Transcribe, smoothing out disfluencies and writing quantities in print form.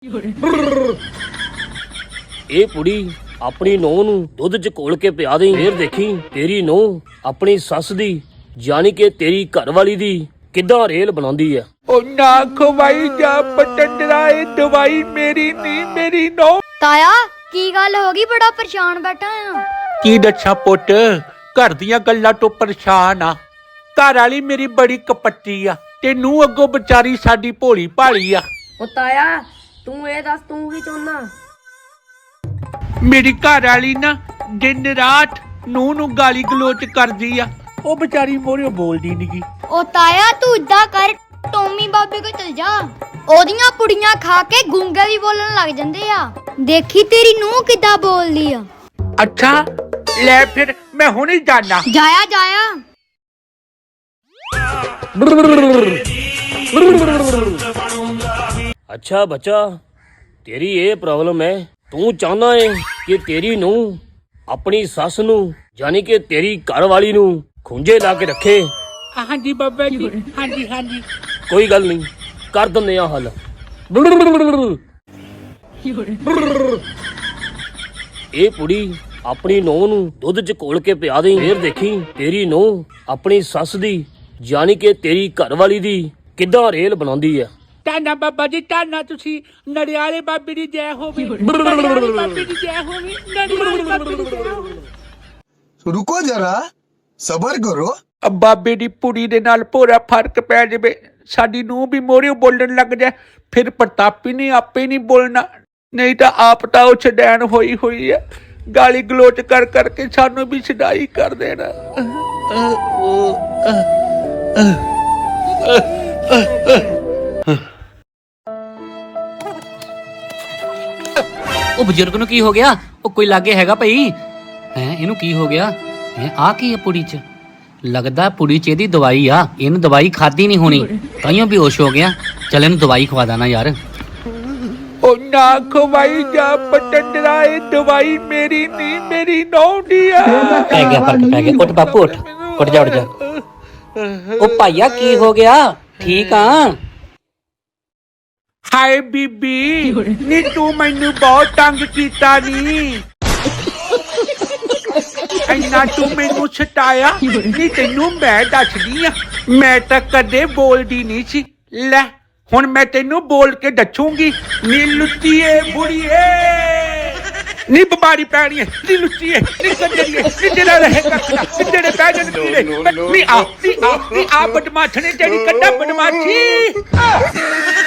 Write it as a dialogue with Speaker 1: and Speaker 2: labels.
Speaker 1: ਇਹ ਕੁੜੀ ਆਪਣੀ ਨੂੰਹ ਨੂੰ ਦੁੱਧ ਚ ਘੋਲ ਕੇ ਪਿਆ ਦੇ, ਫੇਰ ਦੇਖੀ ਤੇਰੀ ਨੂੰਹ ਆਪਣੀ ਸੱਸ ਦੀ ਯਾਨੀ ਕਿ ਤੇਰੀ ਘਰਵਾਲੀ ਦੀ ਕਿੱਦਾਂ ਰੇਲ ਬਣਾਉਂਦੀ ਆ।
Speaker 2: ਉਹ ਨਾ ਖਵਾਈ ਜਾ ਪਟੰਡਰਾ, ਇਹ ਦਵਾਈ ਮੇਰੀ ਨਹੀਂ, ਮੇਰੀ ਨੂੰਹ।
Speaker 3: ਤਾਇਆ ਕੀ ਗੱਲ ਹੋ ਗਈ, ਬੜਾ ਪਰੇਸ਼ਾਨ ਬੈਠਾ ਆ।
Speaker 2: ਕੀ ਦੱਸਾਂ ਪੁੱਤ, ਘਰ ਦੀਆਂ ਗੱਲਾਂ ਤੋਂ ਪਰੇਸ਼ਾਨ ਆ। ਘਰ ਵਾਲੀ ਮੇਰੀ ਬੜੀ ਕਪੱਟੀ ਆ ਤੇ ਨੂੰਹ ਅੱਗੋਂ ਵਿਚਾਰੀ ਸਾਡੀ ਭੋਲੀ ਭਾਲੀ ਆ।
Speaker 4: ਉਹ ਤਾਇਆ ਤੂੰ ਇਹ ਦੱਸ ਤੂੰ ਕੀ ਚਾਹੁੰਦਾ?
Speaker 2: ਮੇਰੀ ਘਰ ਵਾਲੀ ਨਾ ਦਿਨ ਰਾਤ ਨੂੰਹ ਨੂੰ ਗਾਲੀ ਗਲੋਚ ਕਰਦੀ ਆ। ਉਹ ਵਿਚਾਰੀ ਮੋਰੇ ਬੋਲਦੀ ਨੀ।
Speaker 3: ਉਹ ਤਾਇਆ ਤੂੰ ਇਦਾਂ ਕਰ, ਟੋਮੀ ਬਾਬੇ ਕੋਲ ਚਲ ਜਾ, ਉਹਦੀਆਂ ਪੁੜੀਆਂ ਖਾ ਕੇ ਗੂੰਗੇ ਵੀ ਬੋਲਣ ਲੱਗ ਜਾਂਦੇ ਆ। ਦੇਖੀ ਤੇਰੀ ਨੂੰਹ ਕਿੱਦਾਂ ਬੋਲਦੀ ਆ।
Speaker 2: ਅੱਛਾ ਲੈ ਫਿਰ ਮੈਂ ਹੁਣੇ ਜਾਣਾ।
Speaker 3: ਜਾਇਆ ਜਾਇਆ।
Speaker 1: ਅੱਛਾ ਬੱਚਾ, ਤੇਰੀ ਇਹ ਪ੍ਰੋਬਲਮ ਹੈ। ਤੂੰ ਚਾਹੁੰਦਾ ਹੈ ਕਿ ਤੇਰੀ ਨੂੰਹ ਆਪਣੀ ਸੱਸ ਨੂੰ ਯਾਨੀ ਕਿ ਤੇਰੀ ਘਰਵਾਲੀ ਨੂੰ ਖੁੰਝੇ ਲਾ ਕੇ ਰੱਖੇ।
Speaker 2: ਹਾਂਜੀ ਬਾਬਾ ਜੀ, ਹਾਂਜੀ ਹਾਂਜੀ।
Speaker 1: ਕੋਈ ਗੱਲ ਨਹੀਂ, ਕਰ ਦਿੰਦੇ ਆ ਹੱਲ। ਇਹ ਕੁੜੀ ਆਪਣੀ ਨੂੰਹ ਨੂੰ ਦੁੱਧ ਚ ਘੋਲ ਕੇ ਪਿਆ ਦੇ, ਫੇਰ ਦੇਖੀ ਤੇਰੀ ਨੂੰਹ ਆਪਣੀ ਸੱਸ ਦੀ ਯਾਨੀ ਕਿ ਤੇਰੀ ਘਰਵਾਲੀ ਦੀ ਕਿੱਦਾਂ ਰੇਲ ਬਣਾਉਂਦੀ ਆ।
Speaker 2: ਤਾਨਾ ਬਾਬਾ ਜੀ, ਤਾਨਾ ਤੁਸੀਂ ਨੜਿਆਲੇ ਬਾਬੇ ਦੀ ਜੈ ਹੋਵੇ, ਨੜਿਆਲੇ ਬਾਬੇ ਦੀ ਜੈ ਹੋਵੇ, ਨੜਿਆਲੇ ਬਾਬੇ ਦੀ ਜੈ ਹੋਵੇ।
Speaker 5: रुको जरा, सबर करो।
Speaker 2: ਬਾਬੇ ਦੀ ਪੁੜੀ ਦੇ ਨਾਲ ਪੂਰਾ ਫਰਕ ਪੈ ਜਾਵੇ, ਸਾਡੀ ਨੂੰਹ ਵੀ ਮੋਰੇ ਬੋਲਣ ਲੱਗ ਜਾਏ, ਫਿਰ ਪ੍ਰਤਾਪੀ ਨੇ ਆਪੇ ਨਹੀਂ ਬੋਲਣਾ। ਨਹੀਂ ਤਾਂ ਆਪ ਤਾਂ ਉਹ ਛਡੈਣ ਹੋਈ ਹੋਈ ਆ, ਗਾਲੀ ਗਲੋਚ ਕਰ ਕਰਕੇ ਸਾਨੂੰ ਵੀ ਛਡਾਈ ਕਰ ਦੇਣਾ।
Speaker 6: ਉਹ ਬਜ਼ੁਰਗ ਨੂੰ ਕੀ ਹੋ ਗਿਆ? ਉਹ ਕੋਈ ਲਾਗੇ ਹੈਗਾ ਭਾਈ? ਹੈ ਇਹਨੂੰ ਕੀ ਹੋ ਗਿਆ? ਹੈ ਆ ਕੀ ਹੈ ਪੁੜੀ ਚ? ਲੱਗਦਾ ਪੁੜੀ ਚ ਇਹਦੀ ਦਵਾਈ ਆ, ਇਹਨੂੰ ਦਵਾਈ ਖਾਦੀ ਨਹੀਂ ਹੋਣੀ, ਤਾਈਓ ਬੇਹੋਸ਼ ਹੋ ਗਿਆ। ਚੱਲ ਇਹਨੂੰ ਦਵਾਈ ਖਵਾ ਦਾਂ ਨਾ ਯਾਰ।
Speaker 2: ਉਹ ਨਾ ਖਵਾਈ ਜਾ ਪਟੰਡਰਾ, ਇਹ ਦਵਾਈ ਮੇਰੀ ਨਹੀਂ, ਮੇਰੀ ਨੂੰਹ ਦੀ ਆ।
Speaker 6: ਪੈ ਗਿਆ ਫਰਕ ਪੈ ਗਿਆ। ਉੱਠ ਬਾਪੂ ਉੱਠ, ਉੱਠ ਜਾ ਉੱਠ ਜਾ। ਉਹ ਭਾਈਆ ਕੀ ਹੋ ਗਿਆ? ਠੀਕ ਆ?
Speaker 2: ਹਾਏ ਬੀਬੀ ਨੀ ਤੂੰ ਮੈਨੂੰ ਬਹੁਤ ਤੰਗ ਕੀਤਾ ਨੀ, ਇੰਨਾ ਤੂੰ ਮੈਨੂੰ ਛਟਾਇਆ ਨੀ। ਤੈਨੂੰ ਮੈਂ ਦੱਸਦੀ ਆ, ਮੈਂ ਤਾਂ ਕਦੇ ਬੋਲਦੀ ਨਹੀਂ ਸੀ। ਲੈ ਹੁਣ ਮੈਂ ਤੈਨੂੰ ਬੋਲ ਕੇ ਦੱਸੂਗੀ। ਨੀ ਲੁੱਟੀਏ ਬੁੜੀਏ, ਨੀ ਬਿਮਾਰੀ ਪੈਣੀ ਹੈ, ਨੀ ਲੁੱਟੀਏ, ਨੀ ਕੰਜਰੀਏ, ਨੀ ਜਿਹੜਾ ਰਹੇ ਕੱਖਣਾ, ਨੀ ਜਿਹੜੇ ਪੈ ਜਾਣ ਕੀੜੇ, ਨੀ ਆ ਬਦਮਾਸ਼ ਨੇ ਤੇਰੀ ਕੱਢਾ ਬਦਮਾਸ਼ੀ।